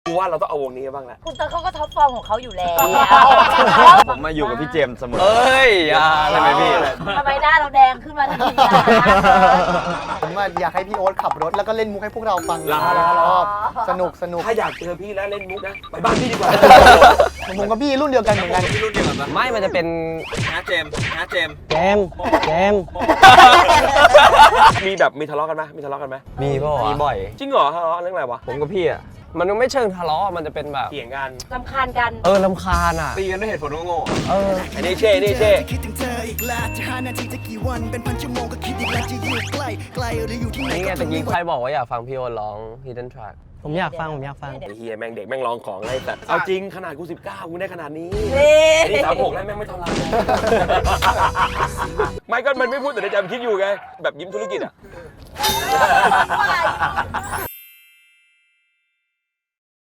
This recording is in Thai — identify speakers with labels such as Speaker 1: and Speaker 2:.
Speaker 1: กูว่าเราต้องเอาวงนี้บ้างแหละ
Speaker 2: คุณเตอร์เขาก็ท็อปฟอร์มของเขาอยู่แล้ว
Speaker 3: ผมมาอยู่กับพี่เจมส์เสมอ
Speaker 4: เอ้ยใช่ไหมพี่
Speaker 2: ทำไมหน้าเราแดงขึ้นมาทันทีล่ะ
Speaker 5: ผมอยากให้พี่โอ๊ตขับรถแล้วก็เล่นมุกให้พวกเราฟัง
Speaker 1: รอ
Speaker 5: รอบสนุก
Speaker 1: ถ้าอยากเจอพี่นะเล่นมุกนะไปบ้านพี่ดีกว่า
Speaker 5: ผมกับพี่รุ่นเดียวกันเหมือนกัน
Speaker 3: พี่รุ่นเดียวกันปะ
Speaker 4: ไม่มันจะเป็น
Speaker 3: นะเจมส์นะเจมส์
Speaker 4: แจม
Speaker 1: มีทะเลาะกันไหมมีทะเลาะกันไหม
Speaker 4: มีป่ะ
Speaker 3: มีบ่อย
Speaker 1: จริงเหรอทะเลาะเรื่องอะไรวะ
Speaker 4: ผมกับพี่อ่ะมันไม่เชิงทะเลาะมันจะเป็นแบบ
Speaker 1: เถียงกัน
Speaker 2: รำคาญกัน
Speaker 4: รำคาญอ่ะ
Speaker 3: ตีกันด้วยเหตุผลโง่
Speaker 1: อันนี้เช่นี่เช่
Speaker 6: คิดถึงเธออีกแล้วจะ5 นาทีจะกี่วันเป็นพันชั่วโมงก็คิดอีกแล้วจะอยู่ใกล้ไกลหรืออยู่ที่ไหน
Speaker 4: นี่ไง
Speaker 6: ก็
Speaker 4: ตะกี้ใครบอกว่าอยากฟังพี่โอร้อง Hidden Track
Speaker 7: ผมอยากฟัง
Speaker 1: ไอ้เฮียแม่งเด็กแม่งลองของอะไรแต่เอาจริงขนาดกู19กูได้ขนาดนี้
Speaker 2: นี่
Speaker 1: อันนี้36แล้วแม่งไม่เท่าไหร่ไม่ก็มันไม่พูดแต่ในใจมันคิดอยู่ไงแบบยิ้มธุรกิจอ่ะ